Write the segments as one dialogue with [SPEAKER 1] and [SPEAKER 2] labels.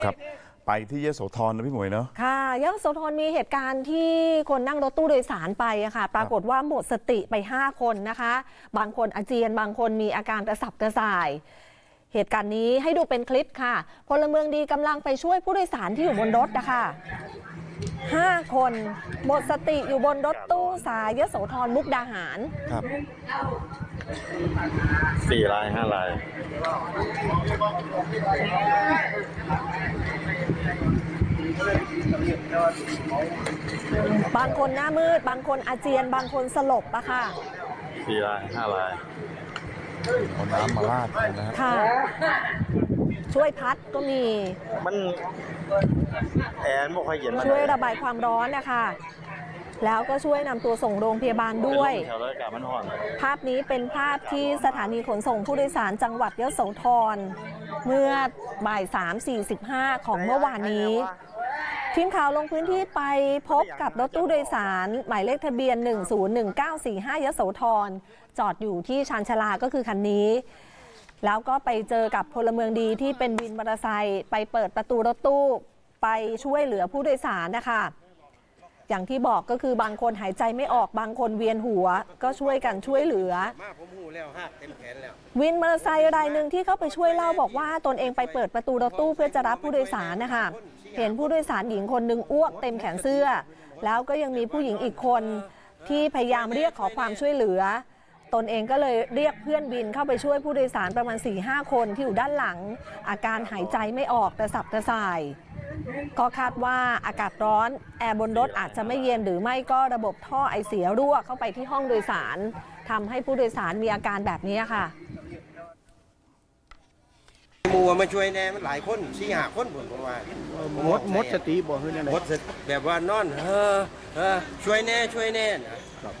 [SPEAKER 1] ครับไปที่ยโสธรนะพี่หมวยเนาะ
[SPEAKER 2] ค่ะยโสธรมีเหตุการณ์ที่คนนั่งรถตู้โดยสารไปอะค่ะปรากฏว่าหมดสติไป5 คนนะคะบางคนอาเจียนบางคนมีอาการกระสับกระส่ายเหตุการณ์นี้ให้ดูเป็นคลิปค่ะพลเมืองดีกำลังไปช่วยผู้โดยสารที่อยู่บนรถนะคะ5 คนหมดสติอยู่บนรถตู้สายยโสธรมุกดาหาร
[SPEAKER 1] ครับ
[SPEAKER 3] 4 ราย 5 ราย
[SPEAKER 2] บางคนหน้ามืดบางคนอาเจียนบางคนสลบอะค่ะ
[SPEAKER 3] 4 ราย 5 ราย
[SPEAKER 1] เอาน้ำมาราดนะฮะ
[SPEAKER 2] ค่ะช่วยพัดก็มี
[SPEAKER 3] มันแอร์ไม่ค่อยเย็น
[SPEAKER 2] ช่วยระบายความร้อนนะคะแล้วก็ช่วยนำตัวส่งโรงพยาบาลด้วยภาพนี้เป็นภาพที่สถานีขนส่งผู้โดยสารจังหวัดยโสธรเมื่อบ่าย 3:45 ของเมื่อวานนี้ทีมข่าวลงพื้นที่ไปพบกับรถตู้โดยสารหมายเลขทะเบียน 101945 ยโสธรจอดอยู่ที่ชานชาลาก็คือคันนี้แล้วก็ไปเจอกับพลเมืองดีที่เป็นวินมอเตอร์ไซค์ไปเปิดประตูรถตู้ไปช่วยเหลือผู้โดยสารนะคะอย่างที่บอกก็คือบางคนหายใจไม่ออกบางคนเวียนหัวก็ช่วยกันช่วยเหลือวินมอเตอร์ไซค์รายหนึ่งที่เข้าไปช่วยเล่าบอกว่าตนเองไปเปิดประตูรถตู้เพื่อจะรับผู้โดยสารนะคะเห็นผู้โดยสารหญิงคนหนึ่งอ้วกเต็มแขนเสื้อแล้วก็ยังมีผู้หญิงอีกคนที่พยายามเรียกขอความช่วยเหลือตนเองก็เลยเรียกเพื่อนวินเข้าไปช่วยผู้โดยสารประมาณ 4-5 คนที่อยู่ด้านหลังอาการหายใจไม่ออกกระสับกระส่ายก็คาดว่าอากาศร้อนแอร์บนรถอาจจะไม่เย็นหรือไม่ก็ระบบท่อไอเสียรั่วเข้าไปที่ห้องโดยสารทำให้ผู้โดยสารมีอาการแบบนี้ค่ะ
[SPEAKER 4] มูมาช่วยแน่มันหลายคน4-5 คนผมว่า
[SPEAKER 5] หมดสติบ่คือจังได๋
[SPEAKER 4] หมดแบบว่านอนช่วยแน่นะครับ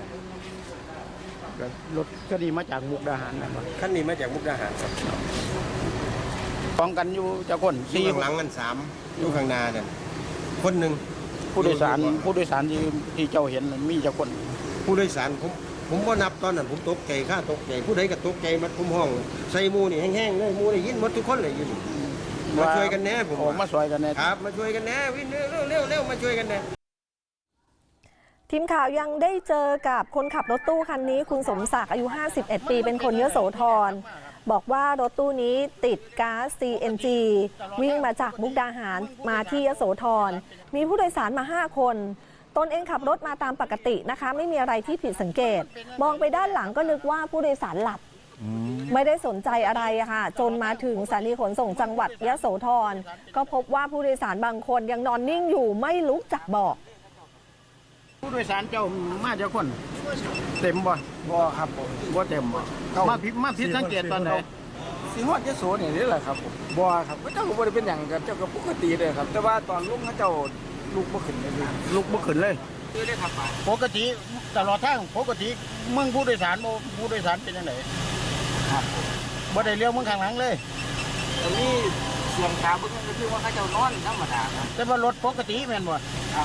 [SPEAKER 5] รถคันนี้มาจากมุกดาหารนะครับ
[SPEAKER 4] คันนี้มาจากมุกดาหารครับ
[SPEAKER 5] ป้องกันอยู่จักคน
[SPEAKER 4] 4ข้างหลังกัน3อยู่ข้างหน้านั่นคนหนึ่ง
[SPEAKER 5] ผู้โดยสารที่เจ้าเห็นมีจักคน
[SPEAKER 4] ผู้โดยสารผมบ่นับตอนนั้นผมตกใจข้าตกใจผู้ใดก็ตกใจมันผมห้องใส่หมู่นี่แห้งๆเลยหมู่ได้ยินหมดทุกคนเลยอยู่นี่มาช่วยกันแน่ผม
[SPEAKER 5] มาช่วยกันแน่
[SPEAKER 4] ครับมาช่วยกันแน่วิ่งเร็วมาช่วยกันแน่
[SPEAKER 2] ทีมข่าวยังได้เจอกับคนขับรถตู้คันนี้คุณสมศักดิ์อายุ51 ปีเป็นคนยโสธรบอกว่ารถตู้นี้ติดก๊าซ CNG วิ่งมาจากมุกดาหารมาที่ยโสธรมีผู้โดยสารมา5 คนตนเองขับรถมาตามปกตินะคะไม่มีอะไรที่ผิดสังเกตมองไปด้านหลังก็นึกว่าผู้โดยสารหลับไม่ได้สนใจอะไรค่ะจนมาถึงสถานีขนส่งจังหวัดยโสธรก็พบว่าผู้โดยสารบางคนยังนอนนิ่งอยู่ไม่ลุกจากเบาะ
[SPEAKER 5] ผู้โดยสารเจ้ามาจากคนเต็มบ่
[SPEAKER 4] ครับ
[SPEAKER 5] บ่เต็มบ่มาผิดสังเกตตอนไหน
[SPEAKER 6] สิฮอดยโสนี่แหละครับผม
[SPEAKER 5] บ่ครับ
[SPEAKER 6] เจ้าก็บ่ได้เป็นหยังครับเจ้าก็ปกติเลยครับแต่ว่าตอนลุงเขาเจ้าลุกบ่ขึ้นเลย
[SPEAKER 5] ลุกบ่ขึ้นเลย
[SPEAKER 6] คือได้ครับ
[SPEAKER 5] ปกติตลอดทางปกติมึงผู้โดยสารเป็นจังได๋
[SPEAKER 6] ครับ
[SPEAKER 5] บ่ได้เลี้ยวมึงข้างหลังเลย
[SPEAKER 6] ตอนนี้ส่วนขาเบิ่งก็คือว่าเขาเจ้านอนธรรมดาครับ
[SPEAKER 5] แต่ว่ารถปกติแม่นบ่
[SPEAKER 6] ครับ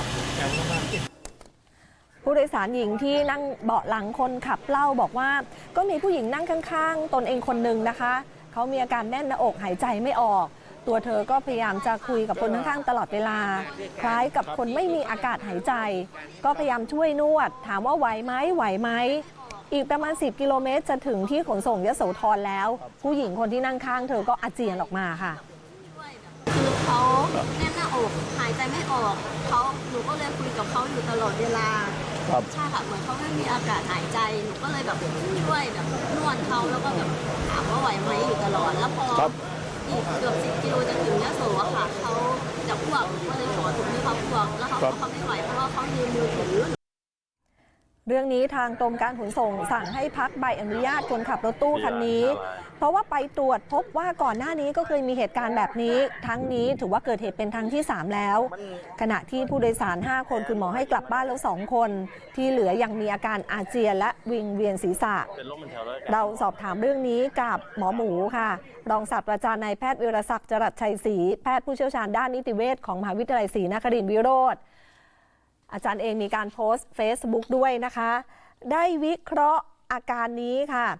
[SPEAKER 2] ผู้โดยสารหญิงที่นั่งเบาะหลังคนขับเล่าบอกว่าก็มีผู้หญิงนั่งข้างๆตนเองคนหนึ่งนะคะเขามีอาการแน่นหน้าอกหายใจไม่ออกตัวเธอก็พยายามจะคุยกับคนข้างๆตลอดเวลาคล้ายกับคนไม่มีอากาศหายใจก็พยายามช่วยนวดถามว่าไหวไหมอีกประมาณ10 กิโลเมตรจะถึงที่ขนส่งยโสธรแล้วผู้หญิงคนที่นั่งข้างเธอก็อาเจียนออกมาค่ะ
[SPEAKER 7] คือเขาแน่นหน้าอกหายใจไม่ออกหนูก็เลยคุยกับเขาอยู่ตลอดเวลาใช่ค่ะเหมือนเขาไม่มีอากาศหายใจหนูก็เลยแบบช่วยแบบนวดเขาแล้วก็แบบถามว่าไหวไหมอยู่ตลอดแล้วพออีกเกือบ10 กิโลจะถึงยโสอะค่ะเขาจะอ้วกก็เลยขอถุงให้เขาอ้วกแล้วเขาไม่ไหวเพราะว่าเขายืมมือถือ
[SPEAKER 2] เรื่องนี้ทางกรมการขนส่งสั่งให้พักใบอนุญาตคนขับรถตู้คันนี้เพราะว่าไปตรวจพบว่าก่อนหน้านี้ก็เคยมีเหตุการณ์แบบนี้ทั้งนี้ถือว่าเกิดเหตุเป็นครั้งที่3แล้วขณะที่ผู้โดยสาร5 คนคุณหมอให้กลับบ้านแล้ว2 คนที่เหลือยังมีอาการอาเจียนและวิงเวียนศีรษะเราสอบถามเรื่องนี้กับหมอหมูค่ะรองศาสตราจารย์นายแพทย์วิรศักดิ์จรัสชัยศรีแพทย์ผู้เชี่ยวชาญด้านนิติเวชของมหาวิทยาลัยศรีนครินทร์วิโรจน์อาจารย์เองมีการโพสต์ Facebook ด้วยนะคะได้วิเคราะห์อาการนี้ค่ะ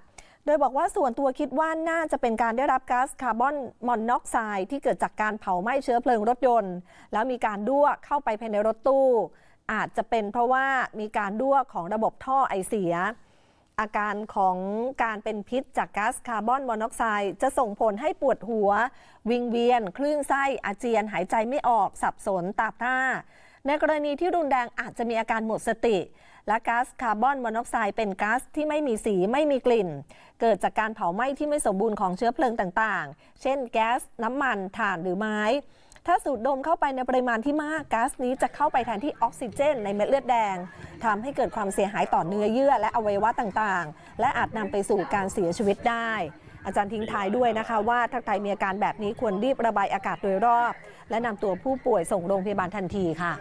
[SPEAKER 2] โดยบอกว่าส่วนตัวคิดว่าน่าจะเป็นการได้รับก๊าซคาร์บอนมอนอกไซด์ที่เกิดจากการเผาไหม้เชื้อเพลิงรถยนต์ แล้วมีการรั่วเข้าไปภายในรถตู้ อาจจะเป็นเพราะว่ามีการรั่วของระบบท่อไอเสีย อาการของการเป็นพิษจากก๊าซคาร์บอนมอนอกไซด์จะส่งผลให้ปวดหัว วิงเวียน คลื่นไส้อาเจียนหายใจไม่ออกสับสนตาพร่าในกรณีที่รุนแรงอาจจะมีอาการหมดสติ และก๊าซคาร์บอนมอนอกไซด์เป็นก๊าซที่ไม่มีสีไม่มีกลิ่น เกิดจากการเผาไหม้ที่ไม่สมบูรณ์ของเชื้อเพลิงต่างๆ เช่นแก๊สน้ำมันถ่านหรือไม้ ถ้าสูดดมเข้าไปในปริมาณที่มากก๊าซนี้จะเข้าไปแทนที่ออกซิเจนในเม็ดเลือดแดงทำให้เกิดความเสียหายต่อเนื้อเยื่อและอวัยวะต่างๆ และอาจนำไปสู่การเสียชีวิตได้ อาจารย์ทิ้งท้ายด้วยนะคะว่าถ้าใครมีอาการแบบนี้ควรรีบระบายอากาศโดยรอบ และนำตัวผู้ป่วยส่งโรงพยาบาลทันทีค่ะ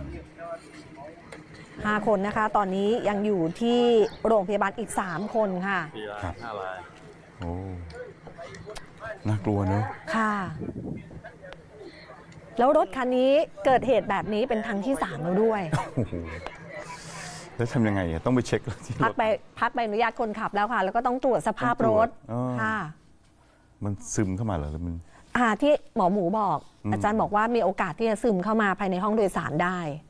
[SPEAKER 2] 5 คนนะคะ ตอนนี้ยังอยู่ที่โรงพยาบาลอีก 3 คนค่ะ
[SPEAKER 1] ครับโอ้น่ากลัวเนอะ
[SPEAKER 2] ค่ะ แล้วรถคันนี้เกิดเหตุแบบนี้เป็นครั้งที่ 3 แล้วด้วย
[SPEAKER 1] โอ้โหแล้วทำยังไงอะต้องไปเช็คที่ร
[SPEAKER 2] พัก
[SPEAKER 1] ถ
[SPEAKER 2] ใบอนุญาตคนขับแล้วค่ะ แล้วก็ต้องตรวจสภาพรถ
[SPEAKER 1] ต้องตรวจ
[SPEAKER 2] ค่ะ
[SPEAKER 1] มันซึมเข้ามาเหรอหรือมัน
[SPEAKER 2] ที่หมอหมูบอก อาจารย์บอกว่ามีโอกาสที่จะซึมเข้ามาภายในห้องโดยสารได้